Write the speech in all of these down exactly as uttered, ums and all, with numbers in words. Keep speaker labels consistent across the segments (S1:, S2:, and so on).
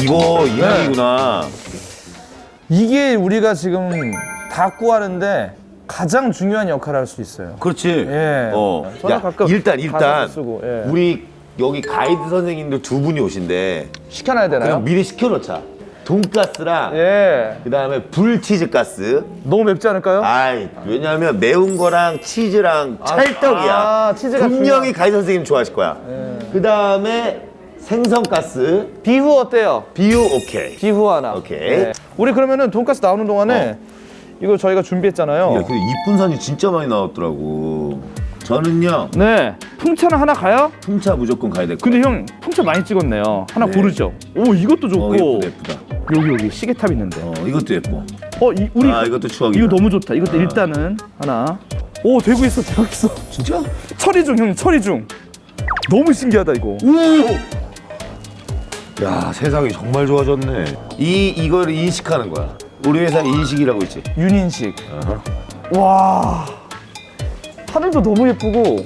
S1: 이거 이 향이구나.
S2: 이게 우리가 지금 닭구 하는데 가장 중요한 역할을 할 수 있어요.
S1: 그렇지.
S2: 예.
S1: 어.
S2: 저는
S1: 야,
S2: 가끔
S1: 일단 일단
S2: 가사도 쓰고, 예.
S1: 우리 여기 가이드 선생님들 두 분이 오신대.
S2: 시켜놔야 되나요?
S1: 그냥 미리 시켜놓자. 돈가스랑
S2: 예.
S1: 그다음에 불치즈 가스.
S2: 너무 맵지 않을까요?
S1: 아이, 왜냐하면 매운 거랑 치즈랑 찰떡이야.
S2: 아, 치즈가
S1: 분명히
S2: 중요한-
S1: 가이드 선생님 좋아하실 거야. 그다음에 생선 가스.
S2: 비후 어때요?
S1: 비유 오케이.
S2: 비후 하나.
S1: 오케이.
S2: 예. 우리 그러면은 돈가스 나오는 동안에 이거 저희가 준비했잖아요.
S1: 야, 근데 이쁜 산이 진짜 많이 나왔더라고. 저는요,
S2: 네. 풍차는 하나 가요?
S1: 풍차 무조건 가야 될 거.
S2: 근데 형 풍차 많이 찍었네요. 하나
S1: 네.
S2: 고르죠. 오 이것도 좋고.
S1: 어, 예쁘다, 예쁘다.
S2: 여기 여기 시계탑 있는데.
S1: 어, 이것도 예뻐.
S2: 어, 이, 우리
S1: 아, 이것도 추억이다.
S2: 이거 너무 좋다. 이것도 일단은 하나. 오, 되고 있어, 되고 있어.
S1: 진짜?
S2: 처리 중, 형, 처리 중. 너무 신기하다 이거.
S1: 오! 야, 세상이 정말 좋아졌네. 이 이걸 인식하는 거야. 우리 회사 인식이라고 있지.
S2: 윤인식.
S1: 어허.
S2: 와. 하늘도 너무 예쁘고.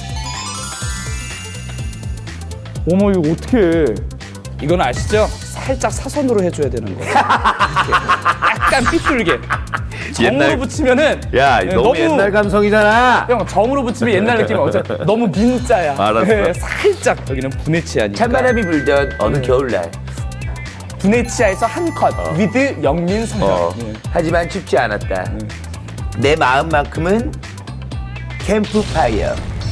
S2: 어머 이거 어떻게? 이건 아시죠? 살짝 사선으로 해줘야 되는 거예요. 이렇게. 약간 삐뚤게. 정으로
S1: 옛날-
S2: 붙이면은
S1: 야,
S2: 네,
S1: 너무, 옛날 감성이잖아.
S2: 형 정으로 붙이면 옛날 느낌이 없잖아. 너무 민자야.
S1: 알았어.
S2: 네, 살짝 여기는 부네치아니까.
S1: 찬바람이 불던 어느 겨울날.
S2: 부네치아에서 한 컷. 위드 영민 성형.
S1: 어,
S2: 예.
S1: 하지만 춥지 않았다. 내 마음만큼은 캠프파이어.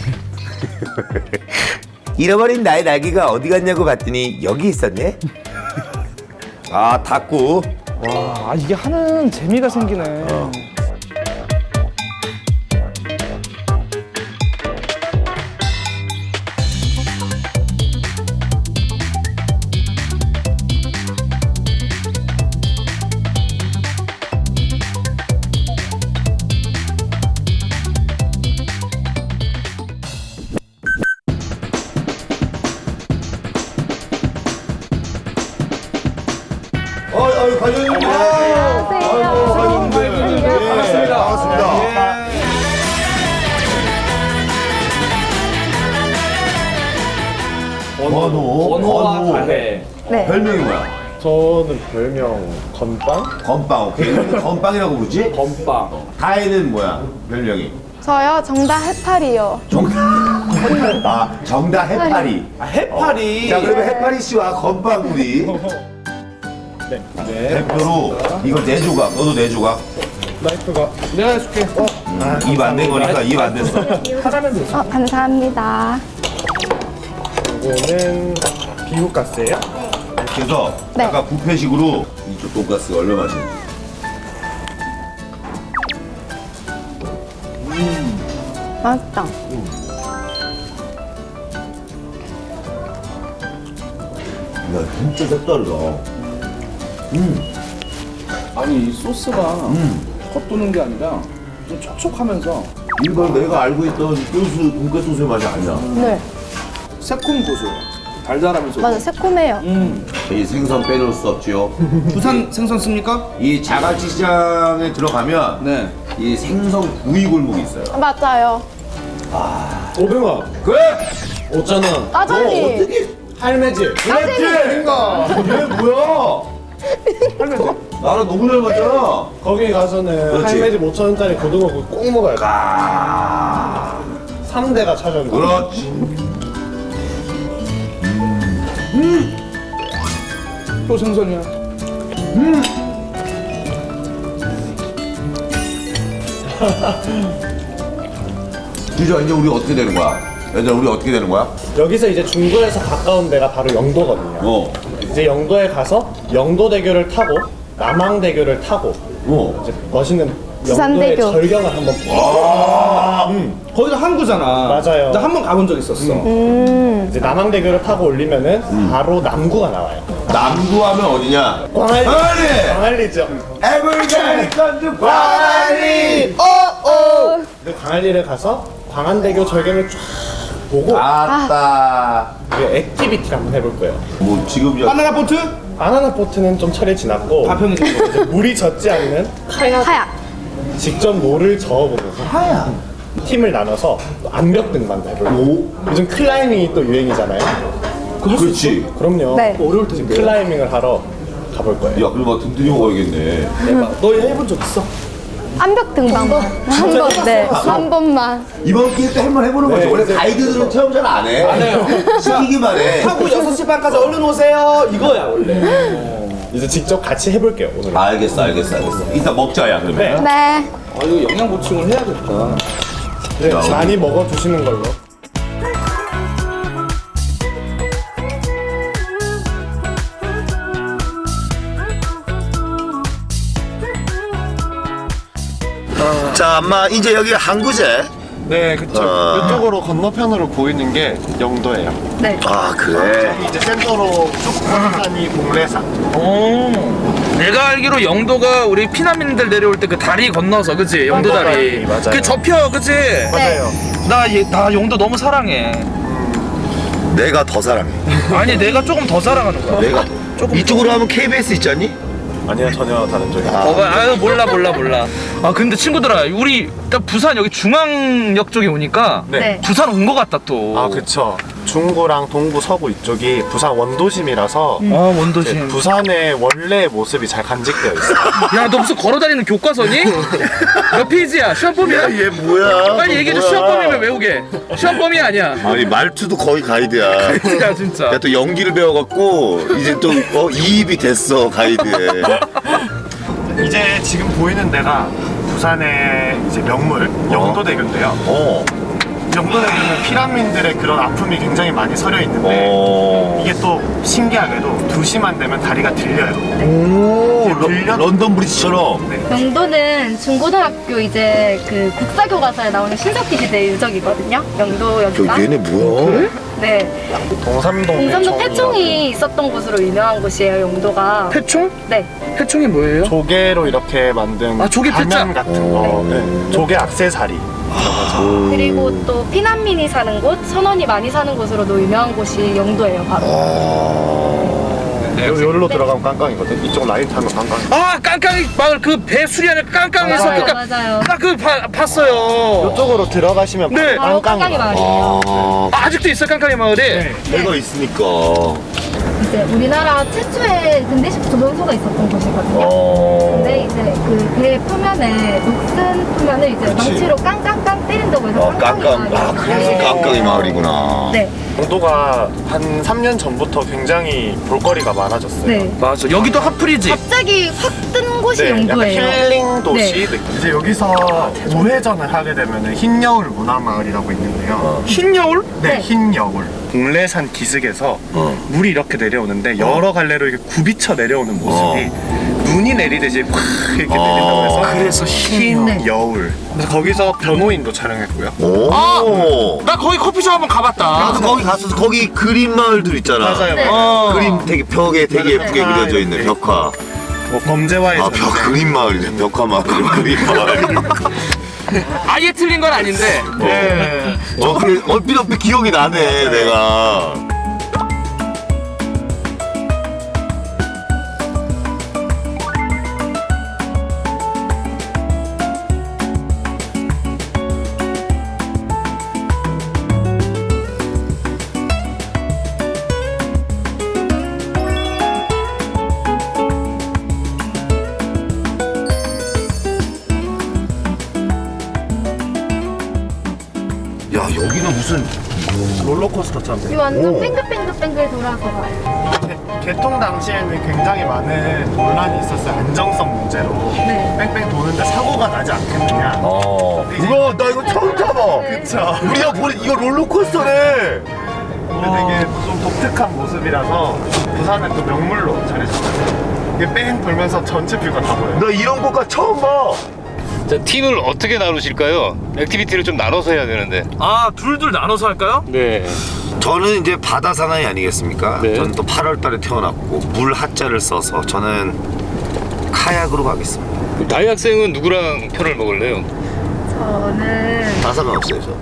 S1: 잃어버린 나의 날개가 어디 갔냐고 봤더니 여기 있었네. 아, 닭구.
S2: 와, 아, 이게 하는 재미가 생기네.
S1: 어. 어, 어, 관장님.
S3: 안녕하세요.
S1: 반갑습니다. 반갑습니다. 원호.
S2: 원호와
S1: 원호.
S2: 가해.
S3: 네.
S1: 별명이 뭐야?
S4: 저는 별명 건빵?
S1: 건빵. 오케이. 이거는 건빵이라고 부르지?
S2: 건빵.
S1: 가해는 뭐야? 별명이?
S3: 저요 정답 해파리요.
S1: 정답. 아, 정답 해파리.
S2: 아, 해파리.
S1: 자, 그러면 해파리 씨와 건빵 우리
S4: 네. 네.
S1: 대표로 이거 네 조각. 너도 네 조각.
S4: 나이프가
S2: 내가 해줄게.
S1: 입 안 된 거니까 입 안 됐어.
S2: 하라면 되지.
S3: 어, 감사합니다.
S4: 이거는 비후가스예요?
S1: 이렇게 해서
S3: 네.
S1: 약간 뷔페식으로 이쪽 돈가스가 얼마나 맛있는지.
S3: 맛있다.
S1: 야, 진짜 색다르다.
S2: 아니 이 소스가
S1: 음.
S2: 컷 도는 게 아니라 좀 촉촉하면서
S1: 일반 내가 알고 있던 소스, 돈가스 소스의 맛이 아니야.
S3: 네.
S2: 새콤 고소. 달달하면서.
S3: 맞아 새콤해요.
S2: 음.
S1: 이 생선 빼놓을 수 없지요.
S2: 부산 생선 씁니까?
S1: 이 자갈치 시장에 들어가면
S2: 네.
S1: 이 생선 구이 골목이 있어요.
S3: 맞아요.
S4: 오백 원,
S1: 그래?
S4: 오천 원,
S3: 따돌리.
S1: 어떻게?
S4: 할매질.
S1: 그랬지? 아닌가? 이게 뭐야? 할매지? 나랑 너무 잘 맞잖아.
S4: 거기 가서는
S1: 그렇지.
S4: 할매질 오천 원짜리 고등어 구이 꼭 먹어야 돼.
S1: 아,
S4: 삼 대가 차지한다.
S1: 그렇지.
S2: 또 생선이야.
S1: 주저 이제 우리 어떻게 되는 거야? 얘들아 우리 어떻게 되는 거야?
S4: 여기서 이제 중구에서 가까운 데가 바로 영도거든요.
S1: 어,
S4: 이제 영도에 가서 영도대교를 타고 남항대교를 타고
S1: 어.
S4: 이제 멋있는
S3: 부산대교.
S4: 영도의 절경을 한번
S1: 아,
S2: 거기가 항구잖아.
S4: 맞아요.
S2: 나 한 번 가본 적 있었어.
S3: 음.
S4: 이제 남항대교를 타고 올리면은 바로 남구가 나와요.
S1: 남구하면 어디냐?
S4: 광안리.
S1: 광안리!
S4: 광안리죠.
S1: 에브리데이 건드 광안리! 오, 오!
S4: 그 광안리를 가서 광안대교 절경을 쫙 보고
S1: 아따.
S4: 우리 액티비티를 한번 해볼 거예요.
S1: 뭐 지금 저
S2: 바나나 보트?
S4: 바나나 보트는 좀 철이 지났고
S2: 가평이
S4: 이제 물이 젖지 않는 카약
S3: 하약.
S4: 직접 노를 저어보면서
S1: 하야.
S4: 팀을 나눠서 암벽 등반도 해볼 거예요.
S1: 오.
S4: 요즘 클라이밍이 또 유행이잖아요.
S1: 그렇지.
S4: 그럼요.
S3: 네.
S4: 어려울 때 지금 클라이밍을 하러 가볼 거예요.
S1: 야, 그럼 등 들이고 가야겠네.
S4: 대박. 너 해본 적 있어?
S3: 암벽 등반만 한 번, 네, 한 번만.
S1: 이번 기회 때 한 번 해보는 거지. 원래 가이드들은 체험 잘 안 해. 안 해요. 시키기만 해.
S2: 하고 여섯 시 반까지 얼른 오세요. 이거야 원래.
S4: 이제 직접 같이 해볼게요 오늘.
S1: 알겠어, 알겠어, 알겠어. 이따 먹자야, 그러면.
S3: 네.
S2: 아 이거 영양 보충을 해야겠다.
S4: 네, 많이 먹어주시는 걸로.
S1: 자, 엄마 이제 여기 항구제.
S4: 네, 그쵸.
S1: 아.
S4: 이쪽으로 건너편으로 보이는 게 영도예요.
S3: 네.
S1: 아, 그래.
S4: 이제 센터로 쭉 보이는 공래산.
S2: 오. 내가 알기로 영도가 우리 피난민들 내려올 때 그 다리 건너서 그치? 영도
S4: 영도
S2: 다리.
S4: 다리, 맞아요.
S2: 그 접혀 그치?
S4: 맞아요.
S2: 나, 얘- 나 영도 너무 사랑해.
S1: 내가 더 사랑해.
S2: 아니 내가 조금 더 사랑하는 거야.
S1: 내가
S2: 조금
S1: 이쪽으로 하면 케이비에스 있지 않니?
S4: 아니요, 전혀 다른 쪽이에요.
S2: 어, 아유 몰라 몰라 몰라. 아 근데 친구들아 우리 딱 부산 여기 중앙역 쪽에 오니까
S3: 네.
S2: 부산 온 거 같다 또.
S4: 아, 그쵸. 중구랑 동구, 서구 이쪽이 부산 원도심이라서
S2: 아 원도심.
S4: 이제 부산의 원래 모습이 잘 간직되어 있어요.
S2: 야 너 무슨 걸어다니는 교과서니? 몇 페이지야? 시험범이야?
S1: 얘 뭐야?
S2: 빨리 얘기해줘.
S1: 뭐야?
S2: 시험범이면 외우게. 시험범이 아니야.
S1: 아니 말투도 거의 가이드야.
S2: 진짜 진짜.
S1: 야, 또 연기를 배워갖고 이제 또 어, 이입이 됐어 가이드에.
S4: 이제 지금 보이는 데가 부산의 이제 명물 영도대교인데요.
S1: 어.
S4: 영도대교는 피난민들의 그런 아픔이 굉장히 많이 서려 있는데
S1: 어.
S4: 이게 또 신기하게도 두 시만 되면 다리가 들려요.
S1: 오. 러,
S4: 들려?
S1: 런던 브리지처럼.
S3: 영도는 중고등학교 이제 그 국사교과서에 나오는 신석기 시대 유적이거든요. 영도 여기가.
S1: 야, 얘네 뭐야?
S3: 네.
S4: 동삼동
S3: 공산도
S4: 패총이라고.
S3: 패총이 있었던 곳으로 유명한 곳이에요. 영도가.
S2: 패총?
S3: 네.
S2: 패총이 뭐예요?
S4: 조개로 이렇게 만든
S2: 아, 조개
S4: 가면
S2: 패자?
S4: 같은 거. 네. 조개 악세사리.
S3: 그리고 또 피난민이 사는 곳, 선원이 많이 사는 곳으로도 유명한 곳이 영도예요. 바로.
S2: 네.
S4: 요, 요리로 들어가면 깡깡이거든. 이쪽 라인 타면 깡깡.
S2: 아 깡깡이 마을 그 배 수리하는 깡깡에서
S3: 맞아요,
S2: 그니까
S3: 맞아요.
S2: 나그 봤어요.
S4: 이쪽으로 들어가시면
S2: 네.
S3: 바로 깡깡이 마을이에요.
S1: 아.
S2: 아, 아직도 있어 깡깡이 마을이.
S4: 네.
S1: 배가 있으니까.
S3: 이제 우리나라 최초의 근대식 조선소가 있었던 곳이거든요.
S1: 어.
S3: 근데 이제 그 배 표면에 녹슨 표면을 이제
S1: 그치.
S3: 망치로 깡깡깡 때린다고 해서
S1: 어, 깡깡. 아,
S3: 마을이에요.
S1: 그래서
S3: 네.
S1: 깡깡이 마을이구나.
S3: 네.
S4: 영도가 한 삼 년 전부터 굉장히 볼거리가 많아졌어요.
S3: 네.
S2: 맞아. 여기도 핫플이지.
S3: 갑자기 확 뜬 곳이
S4: 네, 약간
S3: 영도예요.
S4: 힐링 도시 느낌. 이제 여기서 우회전을 하게 되면 흰여울 문화마을이라고 있는데요.
S2: 흰 여울?
S4: 네,
S3: 네.
S4: 흰여울. 공래산 기슭에서
S1: 어.
S4: 물이 이렇게 내려오는데 여러 갈래로 이렇게 굽이쳐 내려오는 모습이 눈이 내리듯이 확 이렇게
S1: 어.
S4: 내린다고 해서
S2: 그래서 흰
S3: 네.
S4: 여울. 그래서 거기서 변호인도 촬영했고요.
S1: 오.
S2: 아! 나 거기 커피숍 한번 가봤다.
S1: 나도 거기 갔어서 거기 그림 마을들 있잖아.
S4: 맞아요.
S3: 네.
S2: 어.
S1: 그림 되게 벽에 되게
S4: 네.
S1: 예쁘게 그려져 있는
S4: 네.
S1: 벽화.
S4: 뭐 범죄와의
S1: 아, 벽
S4: 전쟁.
S1: 그림 마을이래. 벽화 마을. 그림 마을.
S2: 아예 틀린 건 아닌데.
S4: 네.
S1: 어, 그래, 얼핏 얼핏 기억이 나네, 내가. 야, 여기는 무슨
S4: 롤러코스터처럼
S3: 이
S4: 돼.
S3: 완전
S1: 오.
S3: 뺑글뺑글뺑글 돌아서 가요.
S4: 개- 개통 당시에는 굉장히 많은 논란이 있었어요. 안정성 문제로.
S3: 네.
S4: 뺑뺑 도는데 사고가 나지 않겠느냐.
S1: 어. 우와, 나 이거 처음 타봐.
S4: 그쵸.
S1: 우리가 보는 이거 롤러코스터네.
S4: 근데 되게 좀 독특한 모습이라서 부산의 또 명물로 자리잡았어요. 이게 뺑 돌면서 전체 뷰가 다 보여요.
S1: 나 이런 것과 처음 봐.
S5: 자, 팀을 어떻게 나누실까요? 액티비티를 좀 나눠서 해야 되는데.
S2: 아 둘둘 나눠서 할까요?
S5: 네.
S1: 저는 이제 바다 사나이 아니겠습니까?
S5: 네.
S1: 저는 또 팔월 달에 태어났고 물 하자를 써서 저는 카약으로 가겠습니다.
S5: 다희 학생은 누구랑 편을 먹을래요?
S3: 저는
S1: 다 상관없어요, 저.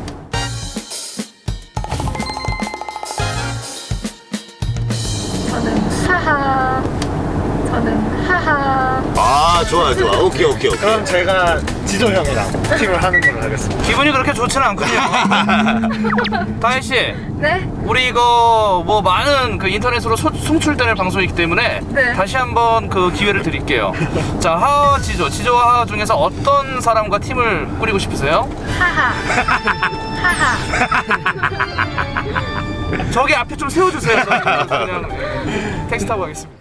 S3: 저는 하하. 저는 하하.
S1: 아, 좋아, 좋아. 오케이, 오케이, 오케이.
S4: 그럼 제가 지조 형이랑 팀을 하는 걸로 하겠습니다.
S2: 기분이 그렇게 좋지는 않군요. 다혜 씨,
S3: 네?
S2: 우리 이거 뭐 많은 그 인터넷으로 소, 송출되는 방송이기 때문에
S3: 네.
S2: 다시 한번 그 기회를 드릴게요. 자, 하하 지조, 지조와 하하 중에서 어떤 사람과 팀을 꾸리고 싶으세요?
S3: 하하. 하하.
S2: 저기 앞에 좀 세워주세요. 저는 그냥 택시 타고 가겠습니다.